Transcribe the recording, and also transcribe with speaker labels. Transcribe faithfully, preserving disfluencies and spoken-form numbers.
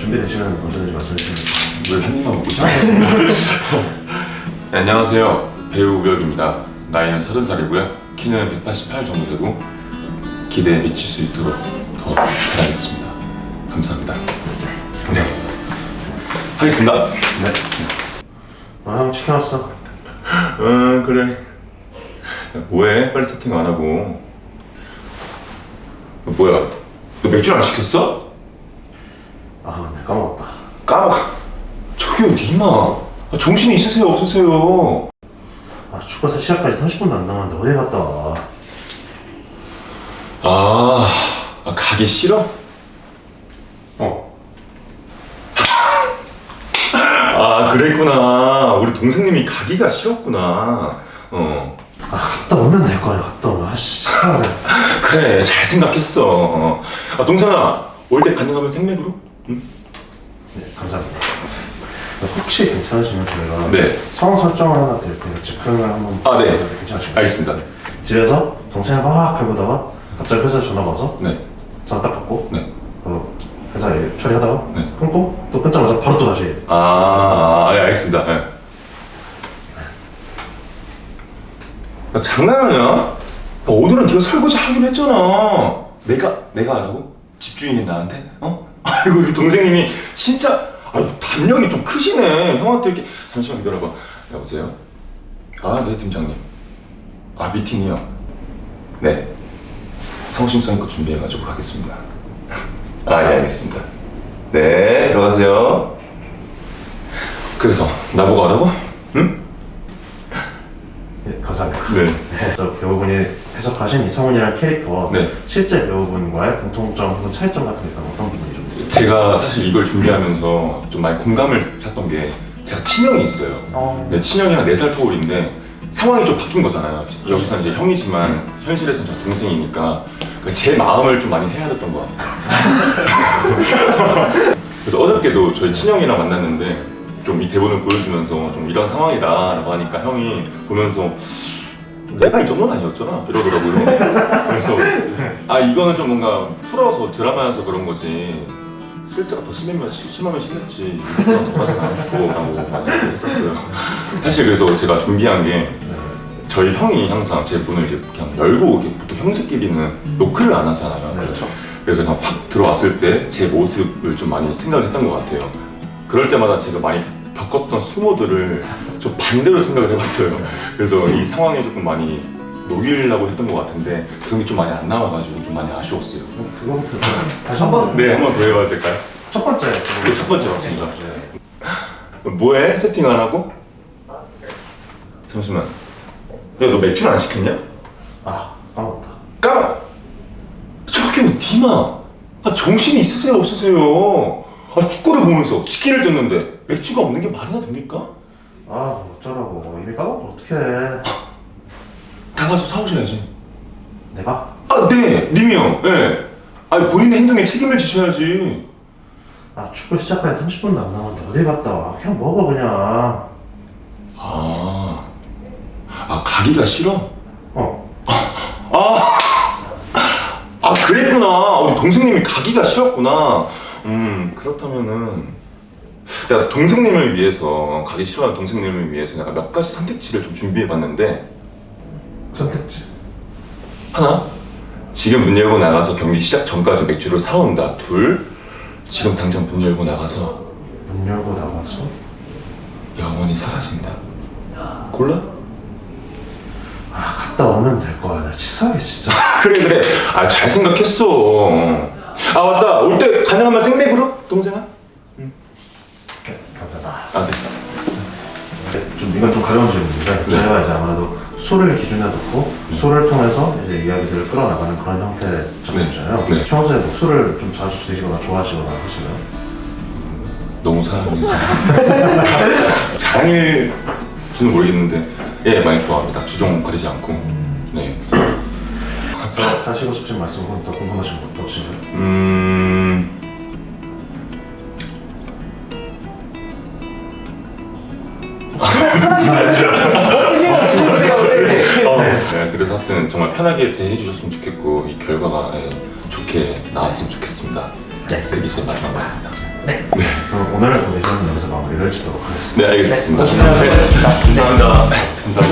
Speaker 1: 준비되시면 언제든지 말씀해주시면
Speaker 2: 왜 한 입만 먹고 시작했습니다. 네, 안녕하세요. 배우 우혁입니다. 나이는 서른 살이고요. 키는 백팔십팔 정도 되고 기대에 미칠 수 있도록 더 잘하겠습니다. 감사합니다. 네. 하겠습니다.
Speaker 1: 네. 아, 형 치킨 왔어.
Speaker 2: 응, 그래. 야, 뭐해? 빨리 세팅 안 하고. 너 뭐야? 너 맥주 안 시켰어?
Speaker 1: 아, 네, 까먹었다.
Speaker 2: 까먹. 저기요, 니마. 아, 정신이 있으세요, 없으세요?
Speaker 1: 아, 축구 시작까지 삼십 분도 안 남았는데 어디 갔다 와?
Speaker 2: 아, 아 가기 싫어?
Speaker 1: 어.
Speaker 2: 아, 그랬구나. 우리 동생님이 가기가 싫었구나. 어.
Speaker 1: 아, 갔다 오면 될 거 아니야. 갔다 오면. 아씨, 진짜.
Speaker 2: 그래, 잘 생각했어. 아, 동생아, 올 때 가능하면 생맥으로? 응?
Speaker 1: 네, 감사합니다. 혹시 괜찮으시면 저희가
Speaker 2: 네.
Speaker 1: 상황 설정을 하나 드릴 테니까 즉흥을 한번.
Speaker 2: 아, 네.
Speaker 1: 괜찮으신가요?
Speaker 2: 알겠습니다.
Speaker 1: 집에서 동생을 막 해보다가 갑자기 회사에 전화가 와서
Speaker 2: 네.
Speaker 1: 전화 딱 받고
Speaker 2: 네.
Speaker 1: 어, 회사 일 처리하다가
Speaker 2: 네.
Speaker 1: 끊고 또 끊자마자 바로 또 다시.
Speaker 2: 아, 예, 알겠습니다. 예. 야, 장난하냐? 야, 오늘은 네가 설거지 하기로 했잖아. 내가 내가 하라고? 집주인이 나한테? 어? 아이고 우리 동생님이 진짜 아유 담력이 좀 크시네. 형한테 이렇게 잠시만 기다려봐. 여보세요? 아, 네 팀장님. 아, 미팅이요? 네. 성심성의껏 준비해가지고 가겠습니다. 아, 예, 알겠습니다. 네, 들어가세요. 그래서 나보고 하라고? 응?
Speaker 1: 네, 감사합니다.
Speaker 2: 네.
Speaker 1: 네, 저 배우분이 해석하신 이성훈이라는 캐릭터
Speaker 2: 네.
Speaker 1: 실제 배우분과의 공통점 혹은 차이점 같은 게 있다면 어떤 부분이 좀 있어요?
Speaker 2: 제가 사실 이걸 준비하면서 좀 많이 공감을 샀던 게 제가 친형이 있어요.
Speaker 1: 어.
Speaker 2: 네, 친형이랑 네 살 터울인데 상황이 좀 바뀐 거잖아요. 여기서 이제 형이지만 현실에서는 저 동생이니까 제 마음을 좀 많이 해야 됐던 것 같아요. 그래서 어저께도 저희 친형이랑 만났는데 좀 이 대본을 보여주면서 좀 이런 상황이다라고 하니까 형이 보면서 내가 이 정도는 아니었잖아 이러더라고요. 그래서 아 이거는 좀 뭔가 풀어서 드라마여서 그런 거지 실제가 더 심하면, 심하면 심했지 이거는 더 하진 않았을 거라고 많이 했었어요. 사실 그래서 제가 준비한 게 저희 형이 항상 제 문을 이제 그냥 열고 이렇게 보통 형제끼리는 노크를 안 하잖아요.
Speaker 1: 그렇죠.
Speaker 2: 그래서 그냥 팍 들어왔을 때 제 모습을 좀 많이 생각을 했던 것 같아요. 그럴 때마다 제가 많이 겪었던 수모들을 좀 반대로 생각을 해봤어요. 그래서 이 상황에 조금 많이 녹이려고 했던 것 같은데 그런 게 좀 많이 안 나와가지고 좀 많이 아쉬웠어요.
Speaker 1: 그거부터 좀 다시 한번.
Speaker 2: 네, 한 번 더 해봐도 될까요?
Speaker 1: 첫 번째.
Speaker 2: 네, 첫 번째 맞습니다.
Speaker 1: 네.
Speaker 2: 뭐해? 세팅 안 하고? 잠시만. 야, 너 맥주는 안 시켰냐?
Speaker 1: 아, 까먹었다.
Speaker 2: 까마! 저기 니마! 아, 정신이 있으세요 없으세요? 아, 축구를 보면서 치킨을 뜯는데 맥주가 없는 게 말이나 됩니까?
Speaker 1: 아, 어쩌라고. 이미 까먹고 어떡해.
Speaker 2: 나가서 사오셔야지.
Speaker 1: 내가?
Speaker 2: 아, 네! 님이 형! 예. 네. 아니, 본인의 행동에 책임을 지셔야지.
Speaker 1: 아, 축구 시작까지 삼십 분도 안 남았는데 어디 갔다 와. 그냥 먹어 그냥.
Speaker 2: 아. 아, 가기가 싫어?
Speaker 1: 어.
Speaker 2: 아! 아, 그랬구나. 우리 동생님이 가기가 싫었구나. 음, 그렇다면은 내가 동생님을 위해서 가기 싫어하는 동생님을 위해서 내가 몇 가지 선택지를 좀 준비해봤는데
Speaker 1: 선택지.
Speaker 2: 하나, 지금 문 열고 나가서 경기 시작 전까지 맥주를 사온다. 둘, 지금 당장 문 열고 나가서
Speaker 1: 문 열고 나가서?
Speaker 2: 영원히 사라진다. 골라?
Speaker 1: 아, 갔다 오면 될 거야. 나 치사하게 진짜.
Speaker 2: 그래 그래. 아, 잘 생각했어. 아, 맞다. 올 때 가능하면 생맥으로? 동생아?
Speaker 1: 네, 감사합니다.
Speaker 2: 아, 네.
Speaker 1: 네, 좀 이건 좀 가벼운 질문인데
Speaker 2: 네.
Speaker 1: 저희가 이제 아무래도 술을 기준에 놓고 술을 통해서 이제 이야기들을 끌어나가는 그런 형태의 작품이잖아요.
Speaker 2: 네. 네.
Speaker 1: 평소에 뭐 술을 좀 자주 드시거나 좋아하시거나 하시나요?
Speaker 2: 너무 사랑해서 자랑일지는 모르겠는데 예, 많이 좋아합니다. 주종 가리지 않고. 네.
Speaker 1: 하시고 싶은 말씀 혹은 더 궁금하신 것도 없으신가요?
Speaker 2: 음. 어, 네, 그래서 하여튼 정말 편하게 대해 주셨으면 좋겠고 이 결과가 예, 좋게 나왔으면 좋겠습니다.
Speaker 1: 네.
Speaker 2: 그게 제 마지막 말입니다.
Speaker 3: 네.
Speaker 1: 그럼 오늘 오디션 여기서 마무리를 짓도록 하겠습니다.
Speaker 2: 네, 알겠습니다.
Speaker 3: 네, 고생하셨습니다.
Speaker 2: 감사합니다. 감사합니다.